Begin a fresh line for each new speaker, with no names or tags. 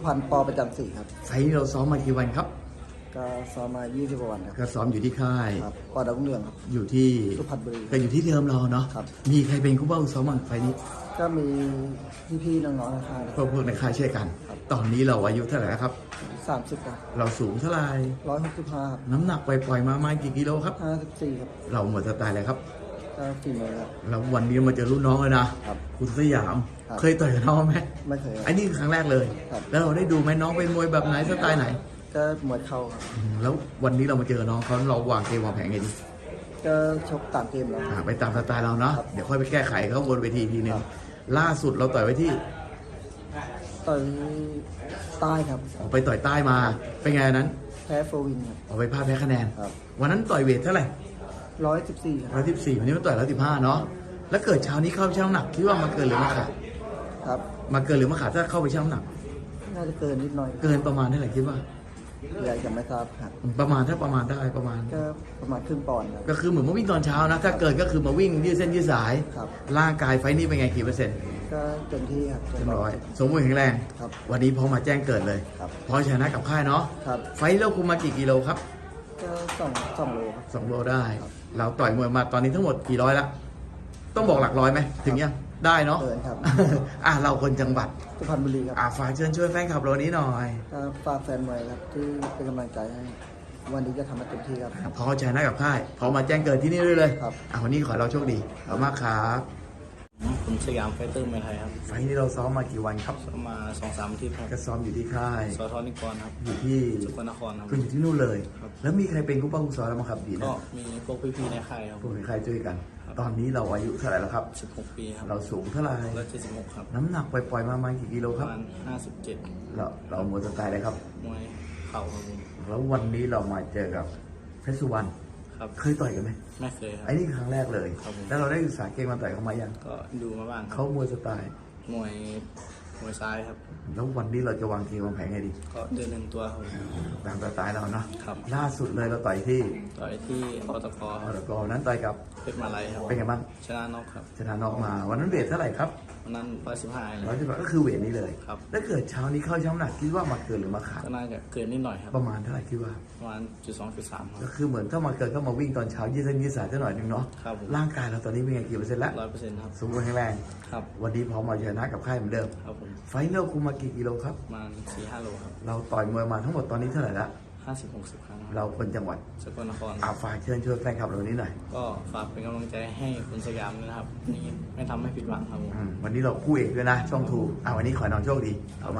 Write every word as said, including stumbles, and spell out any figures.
พันธ์ปอประจำสี่ครับ
ไฟล์นี้เราซ้อมมากี่วันครับ
ก็ซ้อมมายี่สิบกว่าวันครับ
ก็ซ้อมอยู่ที่ค่าย
ครับปอดาวรุ่งเรืองครับ
อยู่ที่
สุพรรณบุรี
ก็อยู่ที่เดิมเราเนาะ
ครับ
มีใครเป็นคู่บ้าคู่ซ้อมบ้างไฟล์นี้
ก็มีพี่ๆน้องๆในค่าย
พวกพวกในค่ายช่วยกันตอนนี้เราอายุเท่าไหร่ครับ
สามสิบครับ
เราสูงเท่าไหร่
ร้อยหกสิบห้า
น้ำหนักปล่อยๆมาประมาณกี่กิโลครับ
ห้าสิบสี่ครับ
เราหมดสไตล์เลยครับ
ก็สี่เมตรครับ
แล้ววันนี้มาเจอรุ่นน้องเลยนะครับคุณสยามเคยต่อยกับน้องไหม
ไม่เคย
อันนี้ครั้งแรกเลยแล้วเราได้ดูไหมน้องเป็นมวยแบบไหนสไตล์ไหน
ก็มวยเข่าครับ
แล้ววันนี้เรามาเจอน้องเขาเราวางเกมวางแผนไงดี
ก็ชกตามเกมแล้ว
ไปตามสไตล์เราเนาะเดี๋ยวค่อยไปแก้ไขเขาบนเวทีทีนึงล่าสุดเราต่อยไว้ที่
ต่อยใต้ครับ
ออกไปต่อยใต้มาเป็นไงนั้น
แพ้โฟวินครับ
ออกไปพลาดแพ้คะแนนวันนั้นต่อยเวทเท่าไหร่
ร้อยสิบสี่
ร้อยสิบสี่วันนี้มาต่อยร้อยสิบห้าเนาะแล้วเกิดเช้านี้เข้าไปชั่งน้ำหนักคิดว่ามาเกินหรือมาขาด
ครับ
มาเกินหรือมาขาดถ้าเข้าไปชั่งน้ำหนัก
น่าจะเกินนิดหน่อย
เกินประมาณเท่าไหร่คิดว่า
อยากจะไม่ทราบครับ
ประมาณถ้าประมาณได้ประมาณ
ก็ประมาณครึ่งปอนด์ครับ
ก็คือเหมือนมาวิ่งตอนเช้านะถ้าเกิดก็คือมาวิ่งยืดเส้นยืดสาย
ครับ
ร่างกายไฟนี้เป็นไงกี่เปอร์เซ็นต์
ก็เต็มที่ครับ
เต็มร้อยสมบูรณ์แข็งแรง
ครับ
วันนี้พอมาแจ้งเกิดเลย
ครับ
พอชนะกับค่ายเนาะ
ครับ
ไฟเราคุมมากี่กิโลครับ
ก็สองสองโลครับ
สองโลได้เราต่อยมวยมาตอนนี้ทั้งหมดกี่ร้อยละต้องบอกหลักร้อยไหมถึงยังได้เนาะ
เกินครับ
อ่ะเราคนจังหวัด
สุพรรณบุรีครับ
อ่ะฝากเชิญช่วยแฟนคลับเรานี้หน่อย
ก็ฝากแฟนมวยครับที่เป็นกำลังใจให้วันนี้จะทำให้เต็มที่ครับ
พอชนะกับค่ายพอมาแจ้งเกิดที่นี่ด้วยเลย
ครับ
อ่ะวันนี้ขอเราโชคดีขอบมากครับ
ผมสยามไฟเตอร์เมืองไทยครับ
ไฟนี้เราซ้อมมากี่วันครับ
ซ้อมมาสองสามอาทิตย์ครับ
ก็ซ้อมอยู่ที่ค่าย
สอทอนิกรครับ
อยู่ที่
สกลนครครับ
ก็อยู่ที่นู่นเลยแล้วมีใครเป็นกู้ป้ากู้ซ้อมแล้วมั้งครับดีนะ
ก็มีพวกพี่ๆในค่ายครับ
พวกในค่ายช่วยกันตอนนี้เราอายุเท่าไหร่แล้วครับ
สิบหกปีครับ
เราสูงเท่าไหร่
ร้อยเจ็ดสิบหกครับ
น้ำหนักปล่อยๆมาประมาณกี่กิโลครับ
ประมาณห้าสิบเจ็ด
เราเราหมดสไตล์เลยครับ
มวยเข่าครับ
แล้ววันนี้เรามาเจอกับเพชรสุวรรณ
ครับ
เคยต่อยกันไหม
ไม่เคยครับ
ไอ้นี่ครั้งแรกเลยแล้วเราได้ศึกษาเกมมาต่อยเขามายัง
ก็ดูมาบ้าง
เขามวยสไตล์
มวยมวยซ้ายครับ
แล้ววันนี้เราจะวางเกมวางแผนไงดี
ก็เดินหนึ่งตัวครับ
ตามสไตล์เราเนาะ
ครับ
ล่าสุดเลยเราต่อยที่
ต่อยที่อตก
อตกนั้นต่อยกับ
เพชรมาลัยครับ
เป็นไงบ้าง
ชนะน็อกครับ
ชนะน็อกมาวันนั้นเวทเท่าไหร่ครับ
วันนั้นร้อยสิบห้า
ร้อยสิบห้าก็คือเวทนี้เลย
ครับ
แล้วเกิดเช้านี้เข้าช้ำหนักคิดว่ามาเกินหรือมาขาด
ก็น่าจะเกินนิดหน่อยครับ
ประมาณเท่าไหร่คิดว่า
ประมาณจุดสองจุดสาม
ก็คือเหมือนถ้ามาเกิดก็มาวิ่งตอนเช้ายืดเส้นยืดสายสักหน่อยนึงเนาะ
ครับ
ร่างกายเราตอนนี้เป็นไงกี่เปอร์เซ็นต์แล้ว
ร้อยเปอร์เซ็นต์ครับ
สมบูรณ์แข็งแรง
ครับ
วันนี้พอมาชนะกับค่ายเหมือนเดิม
ครับผม
ไฟเนลคุมมากี่กิโลครับ
ประมาณสี่ห้าโลครับ
เราต่อยมวยมาทั้งหมดตอนนี้เท่าไหร่ละ
ห้าสิบหกสิบครั้ง
เราคนจังหวัด
สกลนคร
อาฝากเชิญชวนแฟนคลับเรานี้หน่อย
ก็ฝากเป็นกำลังใจให้คุณสยามนะครับนี่ไม่ทำให้ผิดหวังครับ
วันนี้เราคู่เอกด้วยนะช่องทูอ่าวันนี้ขอน้องโชคดี